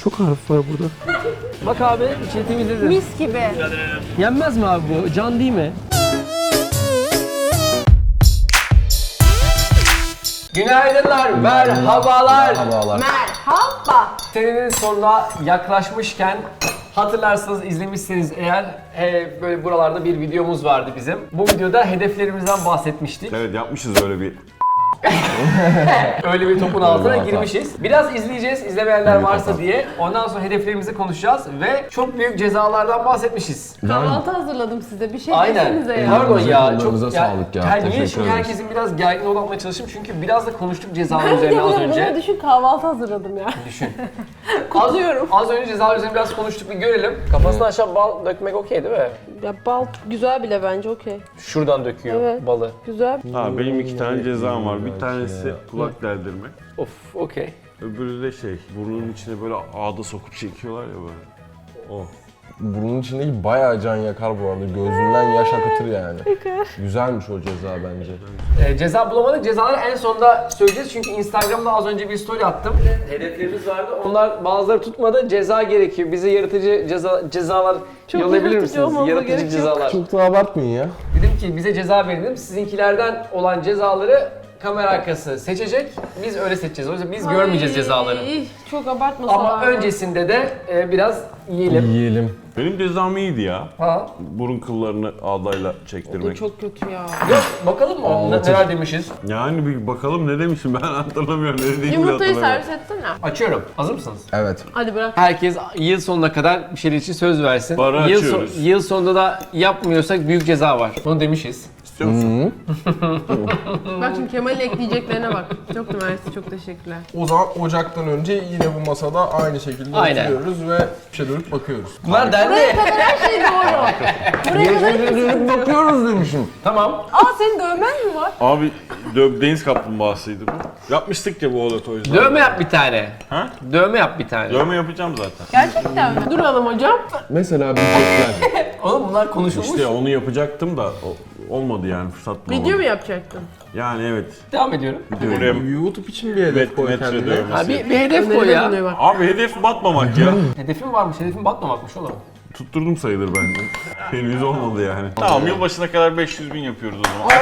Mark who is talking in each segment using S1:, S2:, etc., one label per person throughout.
S1: çok harf var burada. Bak abi içini temizledim.
S2: Mis gibi.
S1: Yenmez mi abi bu? Can değil mi? Günaydınlar, merhabalar.
S2: Merhaba.
S1: Senenin sonuna yaklaşmışken hatırlarsanız izlemişseniz eğer böyle buralarda bir videomuz vardı bizim. Bu videoda hedeflerimizden bahsetmiştik.
S3: Evet yapmışız öyle bir.
S1: Öyle bir topun altına girmişiz. Biraz izleyeceğiz izlemeyenler varsa diye. Ondan sonra hedeflerimizi konuşacağız ve çok büyük cezalardan bahsetmişiz.
S2: Kahvaltı hazırladım size. Bir şey
S1: Aynen.
S2: desenize ya.
S1: Pardon ya. Çok
S4: Kollarınıza sağlık ya.
S1: Niye
S4: Teşekkür
S1: şimdi
S4: ederiz.
S1: herkesin biraz gergin olmaya çalıştım çünkü biraz da konuştuk cezalar
S2: Ben de
S1: üzerine az
S2: bunu
S1: önce.
S2: düşün kahvaltı hazırladım ya.
S1: Düşün.
S2: Kutluyorum.
S1: Az önce cezalar üzerine biraz konuştuk, bir görelim. Kafasına aşağı bal dökmek okey değil mi?
S2: Ya bal güzel bile bence okey.
S1: Şuradan döküyor
S2: Evet.
S1: balı.
S2: Güzel.
S3: Ha benim 2 tane cezam var. Bir tanesi kulak deldirmek.
S1: Of, okey.
S3: Öbürü de burnunun içine böyle ağda sokup çekiyorlar ya böyle. O.
S4: Burnun içindeki bayağı can yakar bu arada. Gözünden yaş akıtır yani. Güzelmiş o ceza bence.
S1: Ceza bulamadık. Cezaları en sonda söyleyeceğiz çünkü Instagram'da az önce bir story attım. Hedeflerimiz vardı. Onlar bazıları tutmadı. Ceza gerekiyor. Bize yaratıcı cezalar
S2: Çok
S1: yollayabilir
S2: yaratıcı
S1: misiniz?
S2: olmamıza
S1: Yaratıcı
S2: gerek yok.
S1: cezalar.
S4: Çok da abartmayın ya.
S1: Dedim ki bize ceza verin dedim. Sizinkilerden olan cezaları kamera arkası seçecek. Biz öyle seçeceğiz. O yüzden biz görmeyeceğiz cezaları.
S2: Çok abartmasalar.
S1: Ama öncesinde de biraz yiyelim.
S4: Yiyelim.
S3: Benim cezam iyiydi ya.
S1: Ha.
S3: Burun kıllarını ağdayla
S2: Bu
S3: çektirmek.
S2: çok kötü ya.
S1: Yok, bakalım mı? Neler demişiz?
S3: Yani bir bakalım ne demişim ben hatırlamıyorum. Ne dediğimi de
S2: Yumurtayı
S3: hatırlamıyorum.
S2: servis etsene.
S1: Açıyorum. Hazır mısınız?
S4: Evet.
S2: Hadi bırak.
S1: Herkes yıl sonuna kadar bir şeyler için söz versin.
S3: Bara
S1: Yıl,
S3: açıyoruz.
S1: yıl sonunda da yapmıyorsak büyük ceza var. Bunu demişiz.
S3: İstiyor musun?
S2: Bak şimdi Kemal'in ekleyeceklerine bak. Çok mersi, çok teşekkürler.
S5: O zaman Ocak'tan önce yine bu masada aynı şekilde
S1: Aynen.
S5: oturuyoruz ve bir dönüp bakıyoruz.
S1: Bunlar dendi.
S2: Her şey doğru. Buraya kadar
S4: Dönüp bakıyoruz demişim.
S1: Tamam.
S2: Aa senin dövmen mi var?
S3: Abi deniz kaplumbağasıydı bu. Yapmıştık ya bu oda o yüzden.
S1: Dövme yap bir tane.
S3: Ha?
S1: Dövme yap bir tane.
S3: Dövme yapacağım zaten.
S2: Gerçekten mi? Duralım hocam.
S4: Mesela bir çekler.
S1: Oğlum bunlar konuşulmuş.
S3: İşte onu yapacaktım da olmadı yani fırsat bulamadım.
S2: Video mu yapacaktın?
S3: Yani evet.
S1: Devam ediyorum.
S3: Buraya
S5: YouTube için bir hedef koy
S3: metre
S5: kendine.
S3: dövmesi.
S1: Ha, bir hedef koy
S2: Öneriler
S1: ya.
S2: bulunuyor bak.
S3: Abi hedef batmamak ya.
S1: Hedefim varmış. Hedefim batmamakmış oğlum.
S3: Tutturdum sayılır bence. Henüz olmadı yani. Tamam yılbaşına kadar 500.000 yapıyoruz o zaman.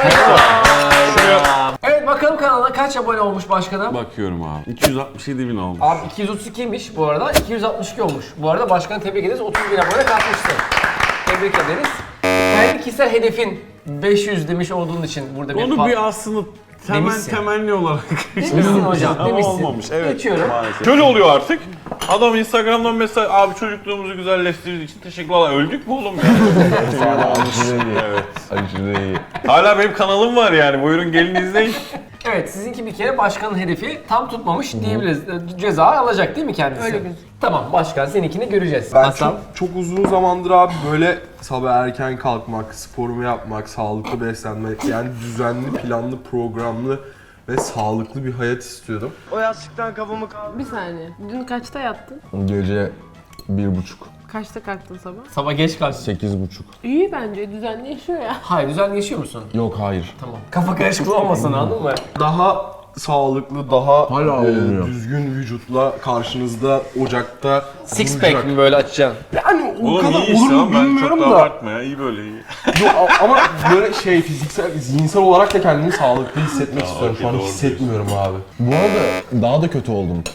S1: Evet bakalım kanala kaç abone olmuş başkanım?
S3: Bakıyorum abi. 267.000 olmuş.
S1: Abi 232'ymiş bu arada. 262 olmuş. Bu arada başkanı tebrik ederiz. 30.000 abone katmışsın. Tebrik ederiz. Kendi kişisel hedefin 500 demiş olduğun için burada bir
S3: Onu bir aslında
S1: Demişsin.
S3: temenni olarak
S1: Demişsin hocam,
S3: Ama
S1: demişsin.
S3: olmamış. Evet.
S1: Geçiyorum.
S3: Maalesef. Şöyle oluyor artık. Adam Instagram'dan mesaj abi çocukluğumuzu güzelleştirdiği için teşekkürler. Öldük mü oğlum ya?
S4: Aşırı iyi.
S3: Evet.
S4: Aşırı iyi.
S3: Hala benim kanalım var yani. Buyurun gelin izleyin.
S1: Evet sizinki bir kere başkanın hedefi tam tutmamış diyebiliriz. Ceza alacak değil mi kendisi?
S2: Öyle gözüküyor.
S1: Tamam başkan seninkini göreceğiz.
S5: Ben
S1: Hasan.
S5: çok uzun zamandır abi böyle sabah erken kalkmak, sporumu yapmak, sağlıklı beslenmek, yani düzenli, planlı, programlı ve sağlıklı bir hayat istiyordum.
S6: O yastıktan kafamı kaldır.
S2: Bir saniye. Dün kaçta yattın?
S4: Gece 1.30.
S2: Kaçta kalktın sabah?
S1: Sabah geç kalksın.
S4: 8.30.
S2: İyi bence. Düzenli yaşıyor ya.
S1: Hayır düzenli yaşıyor musun?
S4: Yok hayır.
S1: Tamam. Kafa karışıklığı olmasın anladın mı?
S5: Daha sağlıklı, daha
S4: Hala olmuyor.
S5: düzgün vücutla karşınızda Ocak'ta
S1: Six
S5: duracak.
S1: pack mi böyle açacaksın?
S5: Yani o
S3: Oğlum
S5: kadar
S3: iyi
S5: olur
S3: işte
S5: mu
S3: ama ben çok
S5: bilmiyorum
S3: da
S5: da.
S3: abartma ya. İyi böyle iyi.
S5: Yok, ama böyle fiziksel, zihinsel olarak da kendimi sağlıklı hissetmek istiyorum. Şu an
S3: doğru
S5: hissetmiyorum abi.
S4: Bu arada daha da kötü oldum.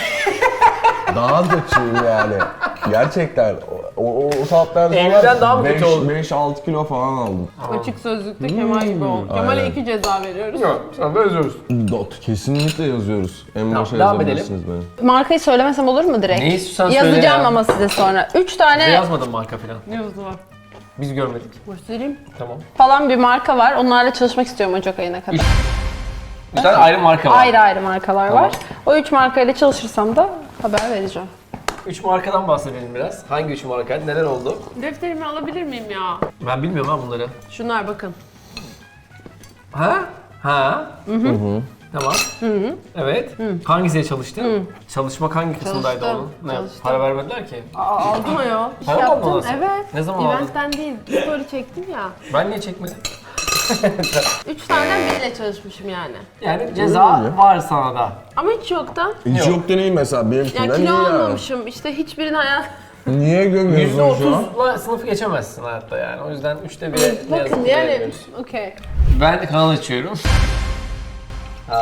S4: Daha kötüyüm yani. Gerçekten. O saatler sonra
S1: Evden daha mı kötü oldun?
S4: 5-6 kilo falan aldım.
S2: Açık sözlükte Kemal gibi ol. Kemal'e
S4: Aynen.
S2: 2 ceza veriyoruz.
S1: Yok sana benziyoruz.
S4: Kesinlikle yazıyoruz. En başa
S1: devam
S4: yazabilirsiniz beni.
S7: Markayı söylemesem olur mu direkt?
S1: Ne istiyorsan söyle
S7: Yazacağım
S1: ya.
S7: ama size sonra. 3
S1: Bize
S7: tane
S1: yazmadın marka falan.
S2: Ne yazdı var?
S1: Biz görmedik.
S2: Göstereyim.
S1: Tamam.
S7: falan bir marka var. Onlarla çalışmak istiyorum Ocak ayına kadar.
S1: Bir tane ayrı marka var.
S7: Ayrı ayrı markalar var. O 3 markayla çalışırsam da haber vereceğim.
S1: 3 markadan bahsedelim biraz. Hangi 3 marka? Neler oldu?
S2: Defterimi alabilir miyim ya?
S1: Ben bilmiyorum ha bunları.
S2: Şunlar bakın.
S1: Ha? Ha? Tamam. Evet. Hangisiyle çalıştın? Çalışmak hangi kısımdaydı
S2: Çalıştım,
S1: onun? Ne?
S2: çalıştım.
S1: Para vermediler ki.
S2: Aldın ayol.
S1: Para mı aldın
S2: Yaptın,
S1: nasıl?
S2: evet.
S1: Ne zaman aldın?
S2: Eventten değil, story çektim ya.
S1: Ben niye çekmedim?
S2: 3 taneden biriyle çalışmışım yani.
S1: Yani ceza var sana da.
S2: Ama hiç yoktan.
S4: Hiç
S1: Yok.
S4: yok deneyim mesela
S2: Yani
S4: benimkinden iyi
S2: kilo
S4: yani.
S2: almamışım. İşte hiçbirini hayat...
S4: Niye gömüyorsun şu an?
S1: %30'la sınıfı geçemezsin hayatta yani. O yüzden 3'te 1'e ne yazık
S2: Bakın
S1: ki
S2: yani,
S1: veremiyoruz.
S2: okey.
S1: Ben de kanal açıyorum. Ha.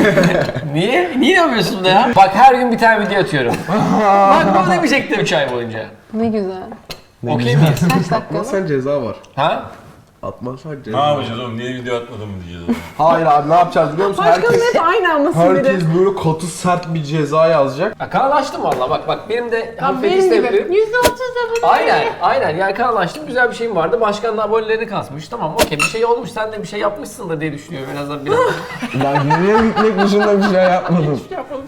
S1: Niye? Niye yapıyorsun bunu ya? Bak her gün bir tane video atıyorum. Bak bunu demeyecektim 3 ay boyunca.
S7: Ne güzel.
S1: Okey miyiz?
S7: Kaç dakika?
S5: Atmazsan ceza var.
S1: Ha?
S5: Atmazsan
S3: Ne
S5: ceza var.
S3: yapacağız oğlum? Niye video atmadın mı diyeceğiz oğlum.
S5: Hayır abi ne yapacağız biliyor musun? Herkes,
S2: aynı anlasın
S5: herkes böyle katı sert bir ceza yazacak.
S1: Ya kanal açtım valla bak benim de
S2: Ya
S1: hafif
S2: benim
S1: isteyebilirim.
S2: gibi. %30 da bunu.
S1: Aynen yani kanal açtım güzel bir şeyim vardı. Başkan da abonelerini kasmış. Tamam okey bir şey olmuş sen de bir şey yapmışsındır diye düşünüyorum en azından biraz.
S4: Ben geriye gitmek dışında bir şey yapmadım.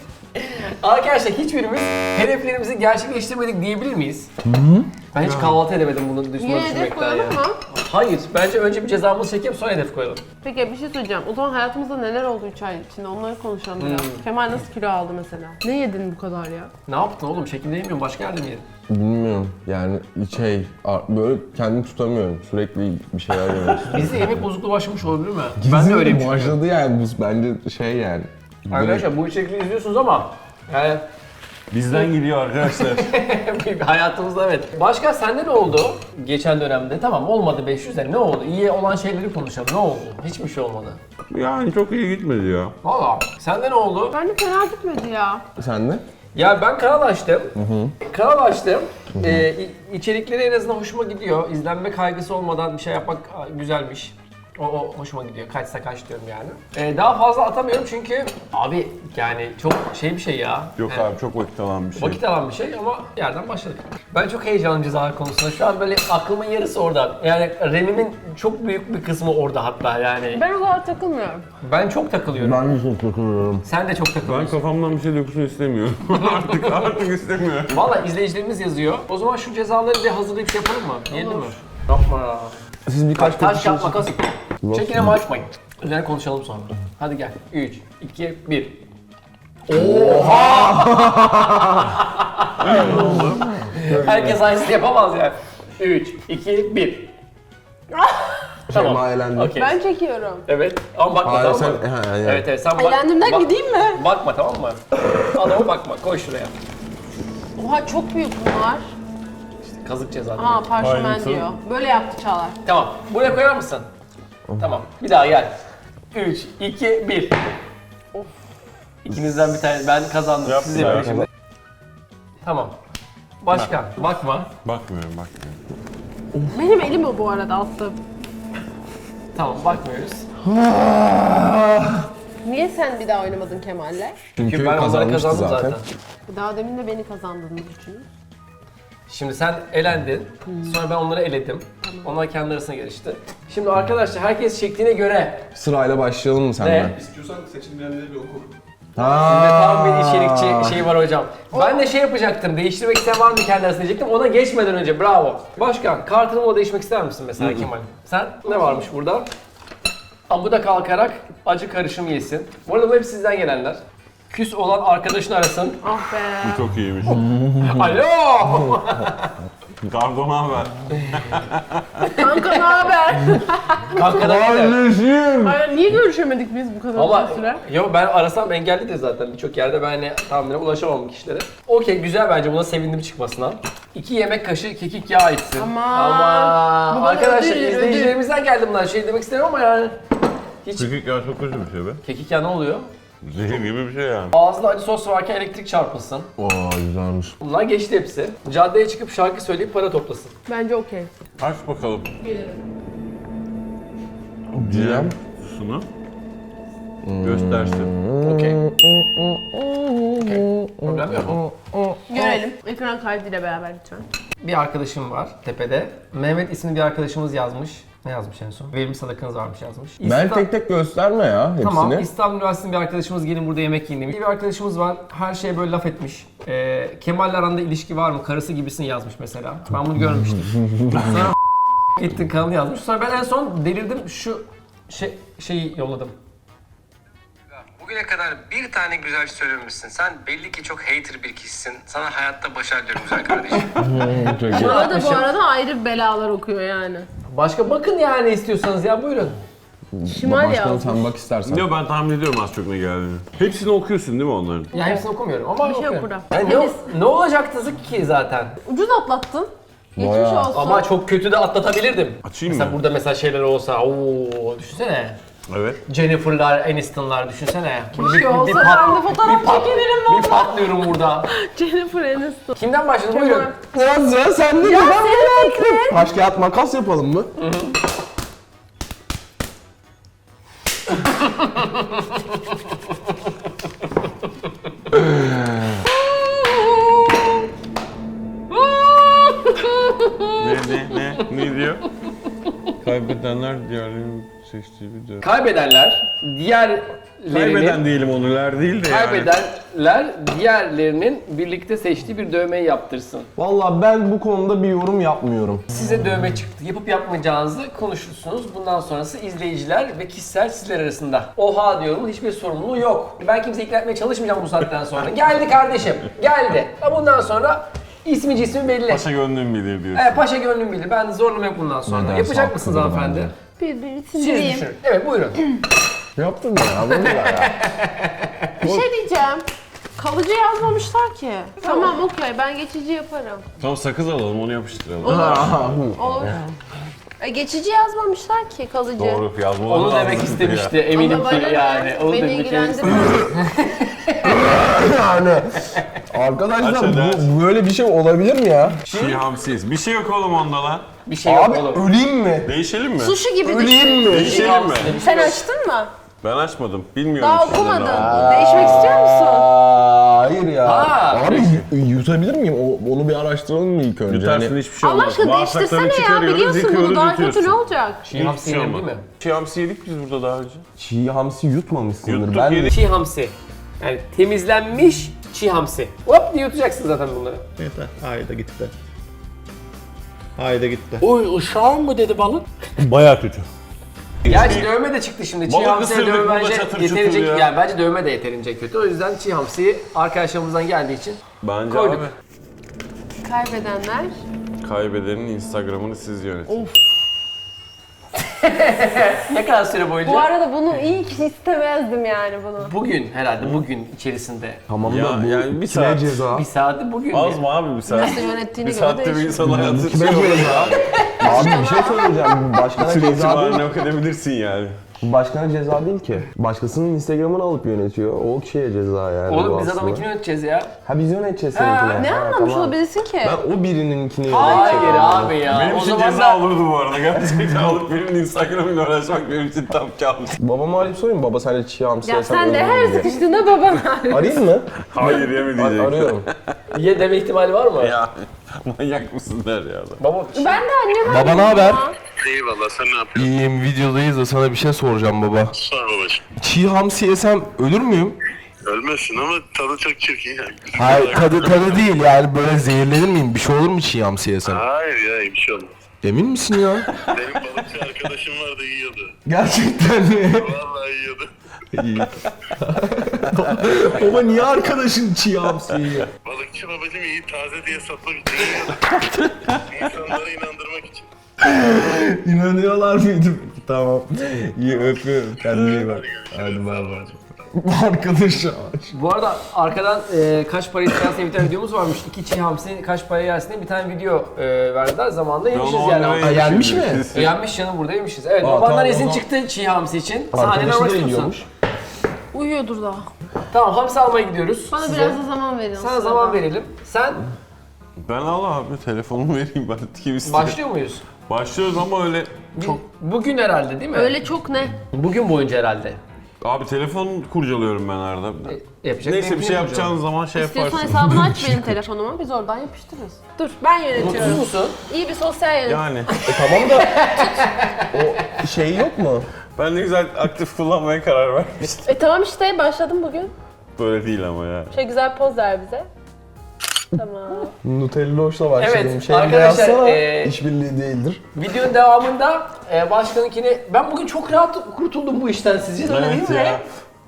S1: Arkadaşlar hiçbirimiz hedeflerimizi gerçekleştirmedik diyebilir miyiz? Ben hiç kahvaltı edemedim bunu
S2: Yine
S1: düşünmekten
S2: hedef
S1: ya.
S2: koyalım mı?
S1: Hayır bence önce bir cezamızı çekeyim sonra hedef koyalım.
S2: Peki bir şey söyleyeceğim. O zaman hayatımızda neler oldu 3 ay içinde onları konuşalım biraz. Kemal nasıl kilo aldı mesela? Ne yedin bu kadar ya?
S1: Ne yaptın oğlum? Şekilde yemiyorum başka yerde mi yedin?
S4: Bilmiyorum yani böyle kendimi tutamıyorum. Sürekli bir şeyler yemek istiyorum.
S1: Bizde yemek bozukluğu başlamış olabilir mi? Ben de öyleyim çünkü.
S4: Başladı yani bu bence şey yani.
S1: Arkadaşlar bu içerikleri izliyorsunuz ama yani
S3: Bizden geliyor arkadaşlar.
S1: hayatımızda evet. Başka sende ne oldu geçen dönemde? Tamam olmadı 500 de ne oldu? İyi olan şeyleri konuşalım. Ne oldu? Hiçbir şey olmadı.
S3: Yani çok iyi gitmedi ya.
S1: Valla. Sende ne oldu?
S2: Bence fena gitmedi ya.
S4: Sen de?
S1: Ya ben kanal açtım. Kanal açtım. İçerikleri en azından hoşuma gidiyor. İzlenme kaygısı olmadan bir şey yapmak güzelmiş. O hoşuma gidiyor. Kaçsa kaç diyorum yani. Daha fazla atamıyorum çünkü abi yani çok bir şey ya.
S3: Yok
S1: Yani
S3: abi çok vakit alan bir şey.
S1: vakit alan bir şey ama yerden başladık. Ben çok heyecanlıyım cezalar konusunda. Şu an böyle aklımın yarısı orada. Yani RAM'imin çok büyük bir kısmı orada hatta yani.
S2: Ben o kadar takılmıyorum.
S1: Ben çok takılıyorum.
S4: Ben de çok takılıyorum.
S1: Sen de çok
S3: Ben
S1: takılıyorsun.
S3: kafamdan bir şey dökülsün istemiyorum. artık istemiyorum.
S1: Valla izleyicilerimiz yazıyor. O zaman şu cezaları bir hazırlayıp şey yapalım mı? Yiyelim mi? Yapma ya.
S4: Siz birkaç
S1: Taş
S4: kötü
S1: yap makas. Çekine mi açmayın. Üzerine konuşalım sonra. Hadi gel. 3, 2, 1. Oha! Herkes aynısını yapamaz yani. 3, 2, 1. Tamam.
S4: Şeyma elendi.
S1: Okey.
S2: Ben çekiyorum.
S1: Evet. Ama bakma
S4: Hayır,
S1: tamam mı?
S4: yani.
S1: Evet sen bak.
S2: Eğlendimden gideyim mi?
S1: Bakma tamam mı? Adama bakma. Koy şuraya.
S2: Oha çok büyük bunlar.
S1: Kazık ceza.
S2: Aa parşömen
S3: Aynısı.
S2: diyor. Böyle yaptı Çağlar.
S1: Tamam. Buraya koyar mısın? Tamam. Bir daha gel. 3, 2, 1.
S2: Of.
S1: İkinizden bir tane. Ben kazandım.
S3: Yap
S1: Siz
S3: ya.
S1: yapın şimdi. Tamam. Başka. Bakma.
S3: Bakmıyorum.
S2: Benim elim o bu arada attım.
S1: Tamam bakmıyoruz.
S2: Niye sen bir daha oynamadın Kemal'le?
S4: Çünkü
S1: Ben onları
S4: kazanmıştı
S1: kazandım
S4: zaten.
S1: zaten.
S2: Daha demin de beni kazandığını düşünün.
S1: Şimdi sen elendin. Sonra ben onları eledim. Onlar kendi arasına gelişti. Şimdi arkadaşlar herkes çektiğine göre
S4: Sırayla başlayalım mı senden?
S1: ne?
S5: İstiyorsan seçilmeyenleri bir oku.
S1: Sizde tam bir içerikçi şeyi var hocam. Ben de şey yapacaktım, değiştirmek isteyen var mı kendi arasında diyecektim. Ona geçmeden önce bravo. Başkan, kartını o değişmek ister misin mesela Kemal? Sen ne varmış burada? Amuda kalkarak acı karışımı yesin. Bu arada bu hep sizden gelenler. Küs olan arkadaşını arasın.
S2: Ah be.
S3: Çok iyiymiş.
S1: Alo!
S3: Kargo ne haber?
S2: Kanka ne haber?
S1: Kanka da gider.
S2: Hayır niye görüşemedik biz bu kadar
S1: Ama
S2: uzun süre?
S1: yo ben arasam engellidir zaten birçok yerde ben hani tahminen ulaşamam kişilere. Okey güzel bence buna sevindim çıkmasına. 2 yemek kaşığı kekik yağı içsin.
S2: Aman. Bu bana
S1: Arkadaşlar
S2: ödül,
S1: izleyicilerimizden geldi bunlar şey demek istemiyorum ama yani. Hiç
S3: Kekik ya çok kötü bir şey be.
S1: kekik yağı ne oluyor?
S3: Zehir gibi bir şey yani.
S1: Ağzında acı sos varken elektrik çarpılsın.
S4: Oo güzelmiş.
S1: Bunlar geçti hepsi. Caddeye çıkıp şarkı söyleyip para toplasın.
S2: Bence okey.
S3: Aç bakalım.
S4: Diyem.
S3: Sunu. Göstersin.
S1: Okey. Okey. Problem yok mu?
S2: Görelim. Ekran kaydıyla beraber lütfen.
S1: Bir arkadaşım var tepede. Mehmet isimli bir arkadaşımız yazmış. Ne yazmış en son? Verimli sadakanız varmış yazmış.
S4: Ben tek tek gösterme ya hepsini.
S1: Tamam, İstanbul Üniversitesi'nin bir arkadaşımız gelin burada yemek yiyin demiş. Bir arkadaşımız var, her şeye böyle laf etmiş. Kemal'le aranda ilişki var mı? Karısı gibisin yazmış mesela. Ben bunu görmüştüm. Sonra gittin kanalı yazmış. Sonra ben en son delirdim, şu şeyi yolladım. Bugüne kadar bir tane güzel şey söylememişsin. Sen belli ki çok hater bir kişisin. Sana hayatta başarı diliyorum güzel kardeşim.
S2: Bana da bu arada ayrı belalar okuyor yani.
S1: Başka bakın yani istiyorsanız ya buyurun.
S2: Şimal
S4: Başkanım
S2: yazmış.
S4: sen bak istersen.
S3: Yok ben tahmin ediyorum az çok ne geldiğini. Hepsini okuyorsun değil mi onların?
S1: Ya hepsini okumuyorum ama
S2: Bir şey yok
S1: okuyorum.
S2: burada.
S1: Yani ne olacaktı ki zaten?
S2: Ucuz atlattın. Geçmiş
S4: Bayağı.
S2: olsun.
S1: Ama çok kötü de atlatabilirdim.
S3: Açayım
S1: Mesela
S3: mı?
S1: burada mesela şeyler olsa, ooo düşünsene.
S3: Evet.
S1: Jennifer'lar, Aniston'lar düşünsene.
S2: Keşke olsa ben de fotoğraf çekilirim
S1: Bir
S2: valla.
S1: patlıyorum burada.
S2: Jennifer Aniston.
S1: Kimden başladın? Buyurun.
S4: Sıra sende.
S2: Ya senin fikrin.
S4: Taş kağıt makas yapalım mı?
S3: Ne diyor? Kaybedenler diğerlerinin seçtiği bir dönem.
S1: Kaybedenler,
S3: Kaybeden
S1: diğerlerinin...
S3: diyelim onurlar değil de yani.
S1: Kaybedenler diğerlerinin birlikte seçtiği bir dövmeyi yaptırsın.
S4: Vallahi ben bu konuda bir yorum yapmıyorum.
S1: Size dövme çıktı. Yapıp yapmayacağınızı konuşursunuz. Bundan sonrası izleyiciler ve kişisel sizler arasında. Oha diyorum, hiçbir sorumluluğu yok. Ben kimseyi ikna etmeye çalışmayacağım bu saatten sonra. Geldi kardeşim, geldi. Bundan sonra ismi cismi belli.
S3: Paşa gönlüm bilir diyorsun.
S1: Evet, paşa gönlüm bilir. Ben zorlama yok bundan sonra.
S4: Neden?
S1: Yapacak mısınız
S4: Haklıdır
S1: hanımefendi?
S2: Bir
S1: Siz
S2: sindireyim.
S1: düşünün. Evet, buyurun.
S4: Yaptın ya bunu da ya.
S2: Bir şey diyeceğim. Kalıcı yazmamışlar ki. Tamam okey ben geçici yaparım.
S3: Tamam sakız alalım onu yapıştıralım.
S2: Olur. Geçici yazmamışlar ki kalıcı.
S3: Doğru yazmalar
S1: Onu
S3: lazım
S1: demek
S3: ya.
S1: istemişti eminim
S2: Ama
S1: ki
S2: bana ne?
S1: yani. Onu
S2: Beni
S1: demek
S2: ilgilendirmez.
S4: Yani arkadaşlar
S3: Aşağıda.
S4: bu böyle bir şey olabilir mi ya?
S3: Çiğ hamsiyiz. Bir şey yok oğlum onda lan.
S1: Bir şey yok
S4: Abi
S1: oğlum.
S4: öleyim mi?
S3: Değişelim mi?
S2: Sushi gibi düşün.
S4: Öleyim mi?
S3: Değişelim mi?
S2: Sen açtın mı?
S3: Ben açmadım. Bilmiyorum.
S2: Daha
S3: içinde ne
S2: okumadın.
S3: var.
S2: Değişmek istiyor musun?
S4: Hayır ya.
S1: Ha,
S4: Abi yutabilir miyim? Onu bir araştıralım mı ilk önce?
S3: Yutarsın
S4: Hani-
S3: hiçbir şey
S2: Allah
S3: olmaz.
S2: aşkına
S3: Bağırsaklarını
S2: değiştirsene ya.
S3: çıkarıyoruz,
S2: Biliyorsun bunu
S3: yıkıyoruz,
S2: daha
S3: yutuyorsun.
S2: kötü ne olacak?
S1: Çiğ hamsi
S3: Hiçbir şey
S1: yenir değil
S3: olmaz.
S1: mi?
S3: Çiğ hamsi yedik biz burada daha önce.
S4: Çiğ hamsi yutmamışsındır.
S3: Yuttuk,
S4: Ben de
S3: yedik.
S1: Çiğ hamsi. Yani temizlenmiş çiğ hamsi. Hop diye yutacaksın zaten bunları.
S8: Yeter. Haydi gitti. Haydi gitti.
S1: Oy uşağım mı dedi balık?
S3: Bayağı kötü.
S1: Gerçi dövme de çıktı şimdi. Çiğ
S3: Balık
S1: hamsiye
S3: ısırdık,
S1: dövme
S3: burada
S1: bence
S3: çatır
S1: yeterince
S3: çutur ya.
S1: yani bence dövme de yeterince kötü. O yüzden çiğ hamsiyi arkadaşlarımızdan geldiği için
S3: Bence
S1: koyduk.
S3: abi
S2: Kaybedenler.
S3: kaybedenin Instagram'ını siz yönetin.
S1: Ne kadar süre boyunca?
S2: Bu arada bunu iyi ki istemezdim yani bunu.
S1: Bugün herhalde bugün içerisinde.
S4: tamam
S3: Ya,
S4: da bu
S3: yani bir
S4: kime
S3: saat.
S4: ceza?
S1: Bir saati bugün.
S3: Az mı abi bir saat?
S2: Nasıl yönettiğine
S3: Bir
S2: göre
S3: saatte bir
S2: değişir.
S3: insan hayatı
S4: Kime ceza? Abi bir şey söyleyeceğim. Başkana
S3: Süre
S4: ceza değil.
S3: itibarını yok edebilirsin yani.
S4: Bu başkana ceza değil ki. Başkasının Instagram'ını alıp yönetiyor. O kişiye ceza yani. bu
S1: Oğlum biz
S4: aslında.
S1: adamınkini yöneteceğiz ya.
S4: Ha biz yöneteceğiz seninkine.
S2: Ne
S4: Ha,
S2: anlamış
S4: tamam.
S2: olabilirsin ki?
S4: Ben o birininkini
S1: Hayır
S4: yöneteceğim.
S1: abi ya.
S3: Benim
S1: o
S3: için
S1: zaman
S3: ceza
S1: da
S3: olurdu bu arada. Gerçekten alıp birinin Instagram'ıyla uğraşmak benim için tam kabus.
S4: Babama arayıp sorayım baba sen de çiğ hamsi
S2: Ya
S4: yesen
S2: sen de
S4: ölür
S2: her
S4: müyüm diye.
S2: sıkıştığında baban
S4: Arayayım mı?
S3: Hayır yeme diyecek.
S4: Arıyorum.
S1: ye deme ihtimali var mı?
S3: Ya manyak mısın der ya adam.
S1: Baba
S2: Ben de anneme
S4: Baba ne haber?
S6: Eyvallah sen ne yapıyorsun?
S4: İyiyim videodayız da sana bir şey soracağım baba.
S6: Sor babacığım.
S4: Çiğ hamsi yesem ölür müyüm?
S6: Ölmezsin ama tadı çok çirkin ya.
S4: Hayır tadı değil yani böyle zehirlenir miyim? Bir şey olur mu çiğ hamsi yesem?
S6: Hayır ya bir şey olmaz.
S4: Emin misin ya?
S6: Benim balıkçı arkadaşım vardı yiyordu.
S4: Gerçekten mi?
S6: Vallahi yiyordu.
S4: İyi. Baba niye arkadaşın çiğ hamsi yiyor?
S6: Balıkçı babacığım iyi taze diye satmak için yiyordu. İnsanları inandırmak için.
S4: İnanıyorlar mıydı? Tamam. İyi öpüyorum. Kendine iyi bak. Hadi bay bay. Arkadaş ya.
S1: Bu arada arkadan kaç para istersen bir tane videomuz varmış. 2 çiğ hamsi kaç para yersin diye bir tane video verdiler. Zamanında yemişiz yani.
S4: Yenmiş mi?
S1: Yenmiş canım burada yemişiz. Evet,
S4: Aa,
S1: babandan
S4: tamam,
S1: izin
S4: o zaman-
S1: çıktı çiğ hamsi için. Sen annene
S4: Arkadaşı
S1: almak
S4: da
S1: istiyor musun?
S4: yiyormuş.
S2: uyuyordur daha.
S1: Tamam, hamsi almaya gidiyoruz.
S2: Bana
S1: size.
S2: biraz da zaman verin.
S1: Sana zaman verelim. Sen
S3: Ben al abi telefonumu vereyim ben kim istiyor.
S1: başlıyor muyuz?
S3: Başlıyoruz ama öyle çok...
S1: Bugün herhalde değil mi?
S2: Öyle çok ne?
S1: Bugün boyunca herhalde.
S3: Abi telefon kurcalıyorum ben arada.
S1: Yapacak
S3: Neyse bir
S1: mümkün
S3: şey
S1: yok
S3: yapacağın zaman şey
S2: İstiyorsan
S3: yaparsın.
S2: hesabını aç benim telefonuma biz oradan yapıştırırız. Dur ben
S1: canım.
S2: yönetiyorum.
S1: Mutsuz musun?
S2: İyi bir sosyal yönetim.
S3: Yani
S4: Tamam da o şey yok mu?
S3: ben ne güzel aktif kullanmaya karar vermiştim.
S2: Tamam işte başladım bugün.
S3: Böyle değil ama ya.
S2: Şöyle güzel poz ver bize. Tamam.
S4: Nutelloş'la başladım.
S1: Evet,
S4: Şey
S1: arkadaşlar,
S4: yazsana,
S1: e,
S4: işbirliği değildir.
S1: Videonun devamında başkanınkini... Ben bugün çok rahat kurtuldum bu işten sizce. Öyle
S3: Evet
S1: değil mi?
S3: ya.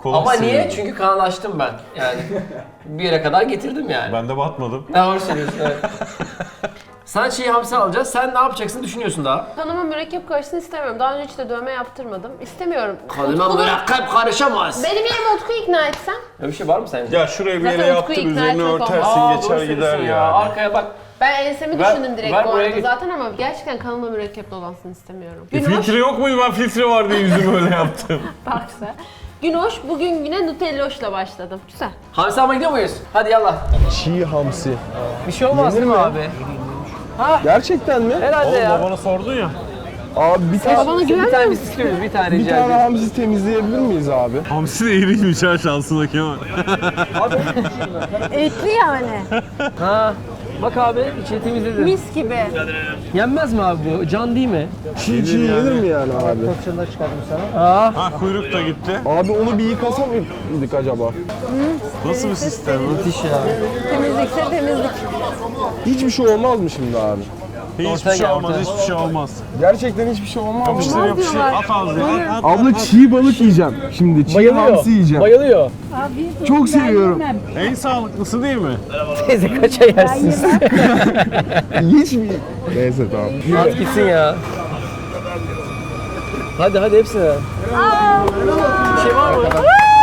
S3: Kolay
S1: Ama niye?
S3: sıyırdı.
S1: Çünkü kanallaştım ben. Yani bir yere kadar getirdim yani.
S3: Ben de batmadım.
S1: Doğru söylüyorsun, evet. Sen çiğ hamsi alacağız. Sen ne yapacaksın düşünüyorsun daha.
S2: Kanıma mürekkep karışsın istemiyorum. Daha önce hiç de dövme yaptırmadım. İstemiyorum.
S1: Kanıma
S2: Utku'nun-
S1: mürekkep karışamaz.
S2: Benim yerime Utku'yu ikna etsem.
S1: Öyle bir şey var mı sence?
S3: Ya şuraya bir
S2: Zaten
S3: yere
S2: Utku'yu
S3: yaptır,
S2: ikna
S3: üzerine
S2: etmek olmaz.
S3: örtersin,
S1: Aa,
S3: geçer
S1: doğru
S3: gider
S1: söylüyorsun
S3: ya.
S1: Arkaya bak.
S2: Ben ensemi
S1: Ver-
S2: düşündüm direkt
S1: ver
S2: bu
S1: buraya
S2: arada
S1: git.
S2: zaten ama gerçekten kanıma mürekkep dolansın istemiyorum. Günoş,
S3: Filtre yok muydu? Ben filtre var diye yüzümü öyle yaptım.
S2: baksa. Günoş, bugün güne Nutelloş'la başladım. Güzel.
S1: Hamsi almaya gidiyor muyuz? Hadi yallah.
S4: Çiğ hamsi.
S1: Bir şey olmaz değil mi abi?
S4: Gerçekten mi?
S1: Herhalde
S3: Oğlum
S1: ya.
S3: babana sordun ya.
S4: Abi bir tane,
S2: Bana
S1: Bir
S2: güvenmiyor
S1: tane
S2: musun?
S1: biz istiyoruz, bir tane
S4: bir
S1: rica
S4: tane
S1: ediyorum.
S4: hamsi temizleyebilir miyiz abi?
S3: Hamsi de iriymiş ha şansına Kemal.
S2: Etli yani.
S1: Ha. Bak abi, içini temizledim.
S2: Mis gibi.
S1: Yenmez mi abi bu? Can değil mi?
S4: Çiğ yenir mi yani abi?
S3: Ha kuyruk da gitti.
S4: Abi onu bir yıkasa mıydık acaba?
S3: Nasıl bir sistem?
S1: Müthiş ya.
S2: Temizlikse temizlik.
S4: Hiçbir şey olmaz mı şimdi abi?
S3: Hiçbir şey olmaz, hiçbir şey olmaz.
S4: Gerçekten hiçbir şey olmaz mı?
S3: Yapıştır yapıştır. At ağzına. At.
S4: Abla çiğ balık yiyeceğim şimdi. Çiğ hamsi yiyeceğim.
S1: Bayılıyor.
S4: Çok seviyorum.
S3: En sağlıklısı değil mi?
S1: Teyze kaça yersiniz?
S4: Hiç mi? Neyse tamam.
S1: At gitsin ya. Hadi hepsine. Bir şey var mı?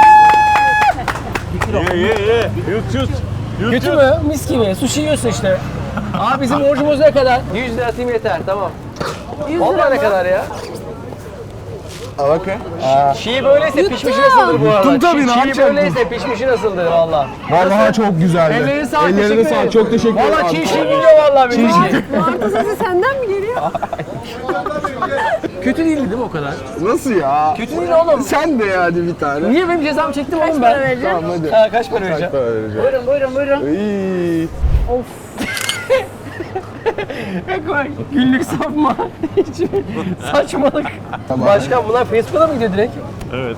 S3: Ye. Yut.
S1: Kötü mü? Mis gibi. Sushi yiyorsun işte. Abi bizim borcumuz ne kadar? 100 lira atayım yeter, tamam. Vallahi ne kadar ya?
S4: Okey.
S1: Çiğ böyleyse pişmişi nasıldır bu arada?
S4: Yuttum tabii, ne
S1: Çiğ
S4: yapacaktım?
S1: böyleyse pişmişi nasıldır valla?
S4: Vallahi çok güzeldi.
S1: Ellerine sağlık,
S4: Ellerine
S1: teşekkür
S4: sağlık.
S1: ederim.
S4: Çok teşekkür ederim.
S1: Valla
S4: abi.
S1: çiğ geliyor valla benim.
S2: Martı sesi senden mi geliyor?
S1: Kötü değildi değil mi o kadar?
S4: Nasıl ya?
S1: Kötü değil oğlum.
S4: Sen de yani bir tane.
S1: Niye benim cezamı çektim oğlum
S2: Para
S1: ben?
S2: vereceğim.
S4: Tamam hadi.
S1: Ha, kaç para vereceğim?
S4: Para vereceğim.
S1: Buyurun.
S4: İyi.
S1: Günlük sapma. Hiç saçmalık. Başkan bunlar Facebook'a mı gidiyor direkt?
S3: Evet.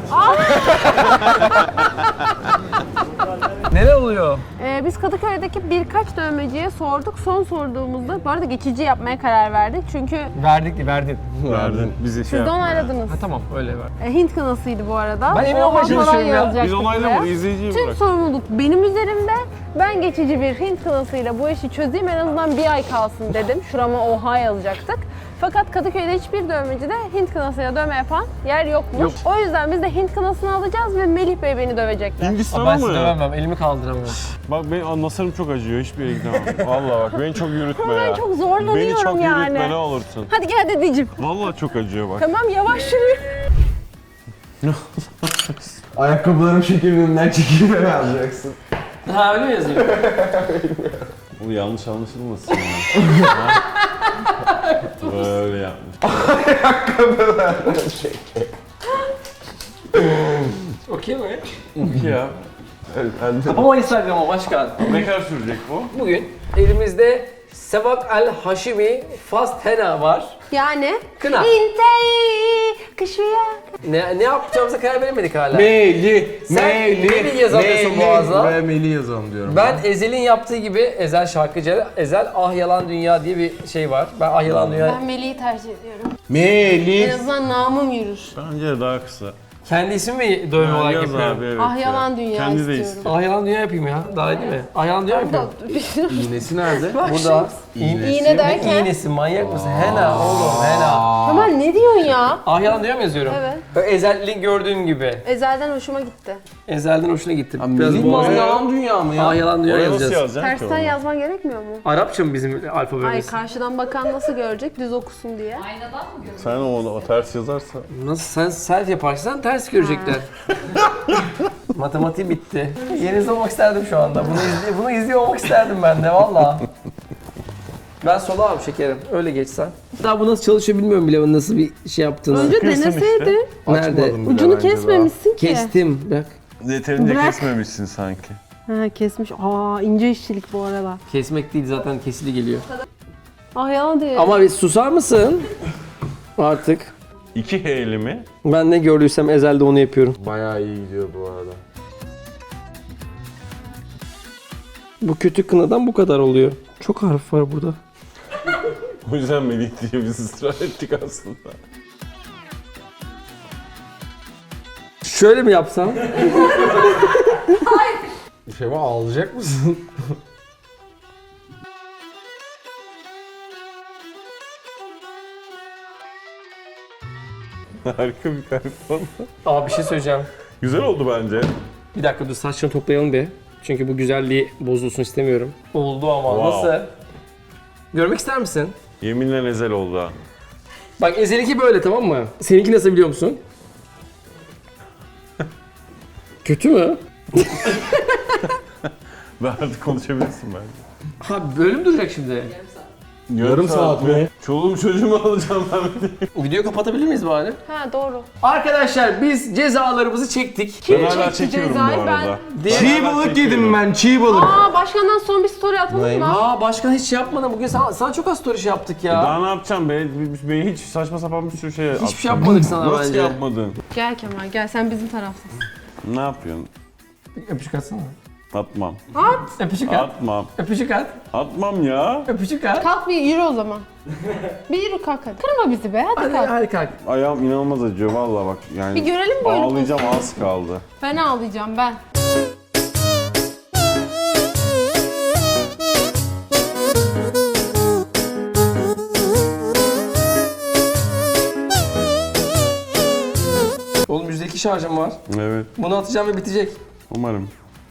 S1: Neler oluyor?
S2: Biz Kadıköy'deki birkaç dövmeciye sorduk. Son sorduğumuzda, bu arada geçici yapmaya karar verdik. Çünkü
S1: Verdin.
S3: Verdin. Bizi şey
S2: siz de
S3: yaptın.
S2: onayladınız.
S1: Ha tamam öyle ver.
S2: Hint kınasıydı bu arada.
S1: Ben emin
S2: Oha
S1: olmaya
S2: falan
S1: çalışıyorum ya.
S2: yazacaktık
S3: Biz onaylamadık,
S2: buraya.
S3: izleyiciyi
S2: Tüm
S3: bırak.
S2: sorumluluk benim üzerimde. Ben geçici bir Hint kınasıyla bu işi çözeyim, en azından bir ay kalsın dedim. Şurama oha yazacaktık. Fakat Kadıköy'de hiçbir dövmecide Hint kınasıyla dövme yapan yer yokmuş.
S1: Yok.
S2: O yüzden biz de Hint kınasını alacağız ve Melih Bey beni dövecekler.
S3: Hindistan'a
S1: Ben sizi
S3: mı?
S1: dövemem, elimi kaldıramıyorum.
S3: Bak benim nasırım çok acıyor. Hiçbir yere gidemem. Vallahi bak beni çok yürütme ya.
S2: Ben çok zorlanıyorum
S3: Beni çok
S2: yani.
S3: yürütme ne olursun.
S2: Hadi gel dedeciğim.
S3: Vallahi çok acıyor bak.
S2: Tamam yavaş yürü.
S4: Ayakkabılarım şekerinden çekilme yazacaksın.
S1: Ha öyle mi yazıyor?
S3: Bu yanlış anlaşılmasın ya. Böyle yapmış.
S1: Okey mi?
S3: Ya.
S1: Ama Instagram'a başkan.
S3: Ne kadar sürecek bu?
S1: Bugün elimizde Sevak El Haşimi Fast Henna var.
S2: Yani
S1: Kına.
S2: İntei kışıya.
S1: Ne yapacağımıza karar veremedik hala.
S5: Meli.
S1: Sen Melih yazamıyorsun boğaza.
S5: Ve Meli yazalım diyorum.
S1: Ben Ezel'in yaptığı gibi, Ezel şarkıcı, Ezel Ah Yalan Dünya diye bir şey var. Ben Ah Yalan Dünya
S2: Ben Melih'i tercih ediyorum. En
S5: Meli.
S2: azından namım yürür.
S3: Bence de daha kısa.
S1: kendi isim mi dövme olarak
S3: Yaz
S1: yapıyorum?
S3: abi evet.
S2: Ah
S3: ya.
S2: yalan dünya
S3: Kendi de
S2: istiyorum.
S3: istiyor.
S1: Ah Yalan Dünya yapayım ya. Daha iyi değil mi? Ah Yalan Dünya yapayım.
S5: İğnesi nerede?
S1: Burada.
S2: İğne
S1: Ne
S2: derken.
S1: iğnesi, manyak mısın? Henna oğlum, henna.
S2: Kemal ne diyorsun ya?
S1: Ah Yalan Dünya mı yazıyorum?
S2: Evet.
S1: Böyle Ezel'in gördüğüm gibi.
S2: Ezelden hoşuma gitti.
S1: Ezel'den hoşuna gitti.
S5: Meli
S1: boğazı-
S5: yalan dünya mı ya?
S1: Ah Yalan Dünya
S3: Oraya nasıl
S1: yazacağız.
S3: yazacaksın ki
S2: Tersten
S3: onu?
S2: yazman gerekmiyor mu?
S1: Arapça mı bizim
S2: Ay
S1: alfabemiz?
S2: karşıdan bakan nasıl görecek düz okusun diye.
S3: Sen o ters yazarsa.
S1: Nasıl sen self yaparsan ters görecekler. Matematiği bitti. Yerinizde olmak isterdim şu anda. Bunu izliyor olmak isterdim ben de valla. Ben sola abi şekerim. Öyle geçsen. Daha bu nasıl çalışıyor bilmiyorum bile nasıl bir şey yaptığını.
S2: Önce
S3: Kırsın
S2: deneseydin.
S1: Nerede?
S5: Açmadım bile
S2: Ucunu
S5: bence
S2: kesmemişsin ki.
S1: Kestim. Bak.
S3: Yeterince
S2: Bırak.
S3: kesmemişsin sanki.
S2: Ha kesmiş. Aa ince işçilik bu arada.
S1: Kesmek değil zaten kesili geliyor.
S2: Ah yalan diyor.
S1: Ama bir susar mısın? Artık.
S3: 2 H'li mi?
S1: Ben ne gördüysem Ezel'de onu yapıyorum.
S5: daha. Bayağı iyi gidiyor bu arada.
S1: Bu kötü kınadan bu kadar oluyor. Çok harf var burada.
S3: O yüzden Melih diye biz ısrar ettik aslında.
S1: Şöyle mi yapsam?
S5: Şeva ağlayacak mısın?
S3: Harika bir kalp oldu.
S1: Abi bir şey söyleyeceğim.
S3: Güzel oldu bence.
S1: Bir dakika dur saçını toplayalım bir. Çünkü bu güzelliği bozulsun istemiyorum. Oldu ama
S3: Wow.
S1: nasıl? Görmek ister misin?
S3: Yeminle ezel oldu ha.
S1: Bak Ezel'inki böyle tamam mı? Seninki nasıl biliyor musun? Kötü mü?
S3: Ve artık konuşabilirsin bence.
S1: Ha böyle mi duracak şimdi?
S3: Yarım saat mi? Çoluğum çocuğumu alacağım ben.
S1: Videoyu kapatabilir miyiz bari?
S2: Ha doğru.
S1: Arkadaşlar biz cezalarımızı çektik.
S3: Ben hala
S2: çekti
S3: çekiyorum bu
S2: cezayı?
S3: arada.
S5: Çiğ balık yedim ben, çiğ balık.
S2: Aa başkandan son bir story atalım mı?
S1: Aa başkan hiç şey yapmadan bugün sana çok az story şey yaptık ya.
S3: Daha ne yapacağım be? Ben hiç saçma sapan bir sürü şey
S1: Hiçbir şey yapmadık sana
S3: Nasıl
S1: bence.
S3: yapmadın?
S2: Gel Kemal gel sen bizim taraftasın.
S3: Ne yapıyorsun?
S1: Öpücük atsana.
S3: Atmam.
S1: Öpücük at.
S3: Atmam.
S1: Öpücük at.
S3: Atmam ya.
S1: Öpücük at.
S2: Kalk bir yürü o zaman. Bir yürü kalk hadi. Kırma bizi be hadi kalk.
S1: Hadi kalk.
S3: Ayağım inanılmaz acıyor vallahi bak yani.
S2: Bir görelim böyle
S3: Ağlayacağım az kaldı.
S2: Ben ağlayacağım ben.
S1: Oğlum %2 şarjım var.
S3: Evet.
S1: Bunu atacağım ve bitecek.
S3: Umarım.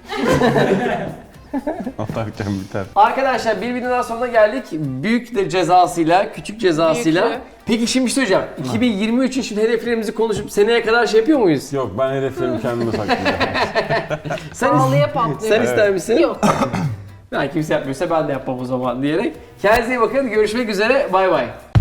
S3: Atarken biter.
S1: Arkadaşlar bir videonun daha sonuna geldik. Büyük de cezasıyla, küçük cezasıyla.
S2: Büyüklü.
S1: Peki şimdi bir şey söyleyeceğim. 2023 için şimdi hedeflerimizi konuşup seneye kadar şey yapıyor muyuz?
S3: Yok ben hedeflerimi kendime saklayacağım.
S2: Ağlıya patlıyor.
S1: Sen ister misin?
S2: Yok.
S1: Ben kimse yapmıyorsa ben de yapmam o zaman diyerek. Kendinize iyi bakın. Görüşmek üzere. Bay bay.